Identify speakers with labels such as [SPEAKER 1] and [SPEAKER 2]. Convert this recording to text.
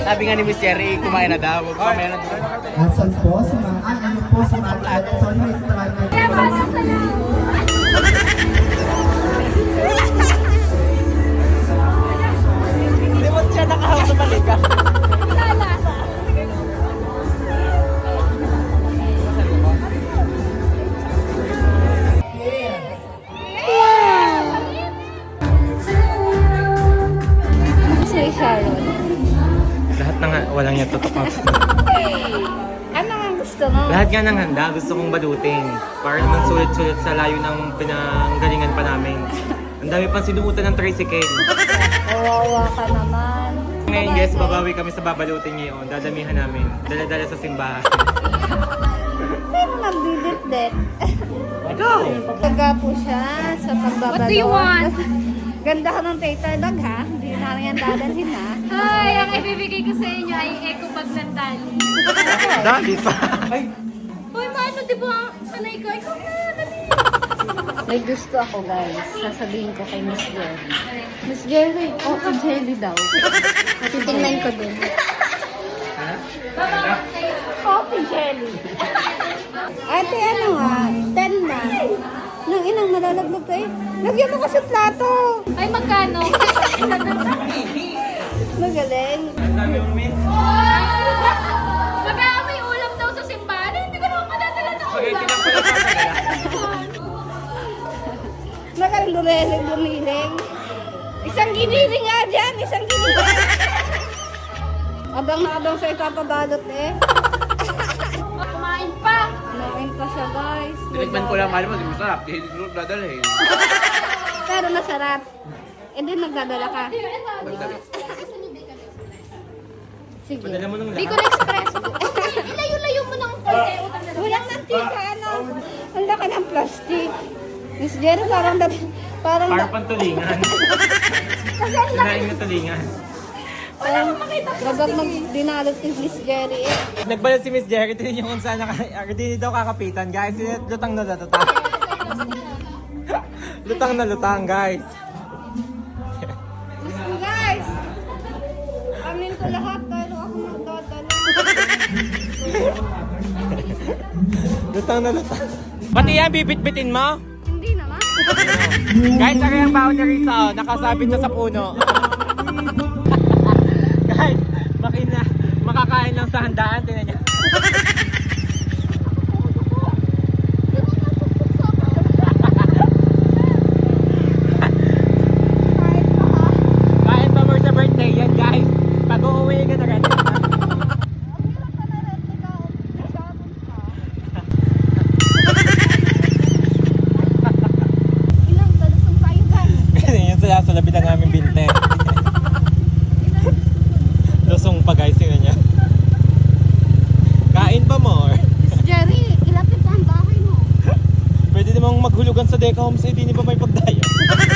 [SPEAKER 1] Sabi nga ni Miss Cherry, kumain na daw. Kumain na daw.
[SPEAKER 2] Asan po si mga ano po si mga sorry Miss Trana.
[SPEAKER 1] Hindi mo siya nakahawak sa balikan.
[SPEAKER 3] Si Sharon.
[SPEAKER 1] Lahat ng walang niya tutok.
[SPEAKER 3] Ano ang gusto mo?
[SPEAKER 1] Lahat nga ng handa, gusto kong balutin. Para naman sulit-sulit sa layo ng pinanggalingan pa namin. Ang dami pang sinuutan ng tricycle.
[SPEAKER 3] Kawawa ka naman.
[SPEAKER 1] Ngayon guys, babawi kami sa babalutin ngayon. Dadamihan namin. Dala-dala sa simbahan.
[SPEAKER 3] Pero nagdidit-dit.
[SPEAKER 1] Ikaw!
[SPEAKER 3] Taga po siya sa pagbabalot.
[SPEAKER 4] What do you want?
[SPEAKER 3] Ganda ka ng tater dog ha? Hindi na yan dadalhin ha?
[SPEAKER 4] Ay, ang ibibigay ko sa inyo ay eco bag ng tali.
[SPEAKER 1] Dali pa!
[SPEAKER 4] Uy, maano, di ba? Sanay ko. Ikaw na, dali.
[SPEAKER 3] May gusto ako guys. Sasabihin ko kay Miss Jerry. Miss Jerry, okay jelly daw. Titingnan ko din. Coffee jelly. Ate, ano nga? 10 na. Nang inang nalalaglag kayo. Lagyan mo kasi plato.
[SPEAKER 4] Ay, magkano?
[SPEAKER 3] Magaling.
[SPEAKER 1] Sabi mo, miss?
[SPEAKER 4] Mag-aamay ulam daw sa simbahan. Hindi ko naman madadala ng
[SPEAKER 1] Spaghetti
[SPEAKER 4] ulam.
[SPEAKER 1] lang pala tatagala.
[SPEAKER 3] Nakalumiling. Isang giniling nga dyan. Isang giniling. Abang na abang sa itapabalot eh.
[SPEAKER 4] Kumain pa.
[SPEAKER 3] Kumain pa siya guys.
[SPEAKER 1] Tinikman ko lang, mahal mo, di masarap. Di hindi dadalhin.
[SPEAKER 3] Pero masarap. Eh din nagdadala ka. Sige.
[SPEAKER 1] Padala mo nung
[SPEAKER 4] Bicol
[SPEAKER 1] lahat.
[SPEAKER 4] Express. Ilayo-layo mo ng konti.
[SPEAKER 3] Walang mantika, ano? Ang laki ng plastic. Miss Jerry, parang
[SPEAKER 1] Para pang tulingan.
[SPEAKER 3] Kasi ang laki.
[SPEAKER 1] Sinaing na tulingan.
[SPEAKER 3] Wagag dinalot si Miss Jerry eh.
[SPEAKER 1] Nagbalot si Miss Jerry, tinin niyo kung saan hindi daw kakapitan, guys. Lutang na lutang. Lutang na lutang, guys.
[SPEAKER 3] Guys! Amin ko lahat pero ako magdadala.
[SPEAKER 1] Lutang na lutang. Pati yan, bibit-bitin mo?
[SPEAKER 3] Hindi naman.
[SPEAKER 1] Guys, saka yung boundary sa nakasabit na sa puno. Guys, makakain lang sa handaan, tingnan niya. Kain pa more sa birthday yan, guys. Pag uuwi ka na rin.
[SPEAKER 3] Ilang talusong tayo guys.
[SPEAKER 1] Yan sa labitan namin binte. Lusong pa guys, yun niya. Kain pa more.
[SPEAKER 3] Miss Jerry, ilapit pa ang bahay mo.
[SPEAKER 1] Pwede namang maghulugan sa Deca Homes, eh di ba may pagdayo?